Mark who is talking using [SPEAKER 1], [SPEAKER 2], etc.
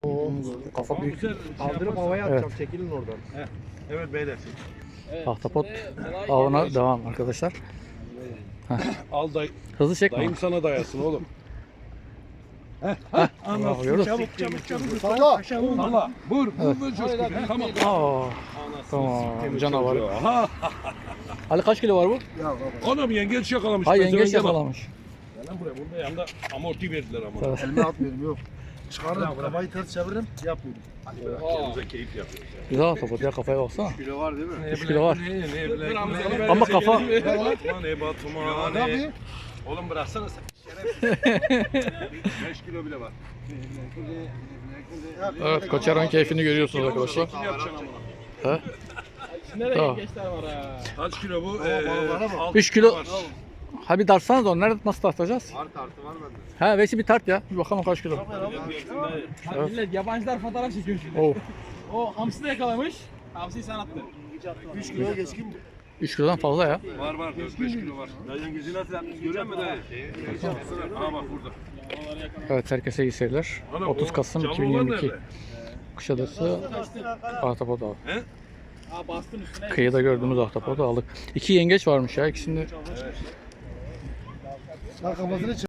[SPEAKER 1] Kafa büyük.
[SPEAKER 2] Kaldırıp havaya atacağım. Çekilin oradan.
[SPEAKER 3] Evet beyler.
[SPEAKER 1] Ahtapot avına devam arkadaşlar.
[SPEAKER 3] Al
[SPEAKER 1] Hızlı çekme.
[SPEAKER 3] dayım sana dayasın oğlum.
[SPEAKER 1] Anlıyoruz.
[SPEAKER 3] Çabuk. Salla. Salla. Vur. Vur coşku. Tamam.
[SPEAKER 1] Aa, tamam canavar.
[SPEAKER 3] Ha.
[SPEAKER 1] Ali kaç kilo var bu?
[SPEAKER 3] Anam yengeç yakalamış.
[SPEAKER 1] Hay
[SPEAKER 3] Pezevenk
[SPEAKER 1] yengeç
[SPEAKER 3] yana.
[SPEAKER 1] yakalamış.
[SPEAKER 3] Gel lan buraya. Burada yanında amorti verdiler ama.
[SPEAKER 2] Elime atmıyorum yok. Çıkarırım kafayı ters çeviririm yapmıyorum.
[SPEAKER 3] Kendimize keyif yapıyoruz.
[SPEAKER 1] Güzel ahtapot ya, kafaya baksana.
[SPEAKER 2] Kilo var değil mi?
[SPEAKER 1] 3 kilo var.
[SPEAKER 3] Ne
[SPEAKER 1] Ama kafa-
[SPEAKER 3] Ne Batuma
[SPEAKER 2] Ne yapayım?
[SPEAKER 3] Oğlum bıraksana sen. Şerefsiz. 5 kilo bile var.
[SPEAKER 1] Evet, Koçeron keyfini görüyorsunuz arkadaşlar.
[SPEAKER 3] Şekil yapacaksın amına.
[SPEAKER 1] Tamam.
[SPEAKER 3] Kaç kilo bu?
[SPEAKER 1] 3 kilo. Ha bir tartsanız onu nerede nasıl tartacağız?
[SPEAKER 2] Var tartı var bende.
[SPEAKER 1] Ha Veysi bir tart ya. Bir bakalım kaç kilo. Evet.
[SPEAKER 4] Millet yabancılar fotoğraf çekiyor şimdi.
[SPEAKER 1] Oh.
[SPEAKER 4] O hamsi de yakalamış. Hamsiyi sen attın.
[SPEAKER 2] 3 kilo geçkin mi?
[SPEAKER 1] 3 kilodan fazla ya.
[SPEAKER 3] Var 4-5 kilo var. Dayının gözü nasıl yapmış görüyor musun dayı? Aa bak burada.
[SPEAKER 1] Evet, herkese iyi seyirler. 30 Kasım
[SPEAKER 3] Canlı
[SPEAKER 1] 2022.
[SPEAKER 3] olan
[SPEAKER 1] Kuşadası ahtapot avı.
[SPEAKER 4] Aa bastın üstüne.
[SPEAKER 1] Kıyıda gördüğümüz ahtapotu aldık. 2 yengeç varmış ya, ikisini
[SPEAKER 2] Kafasını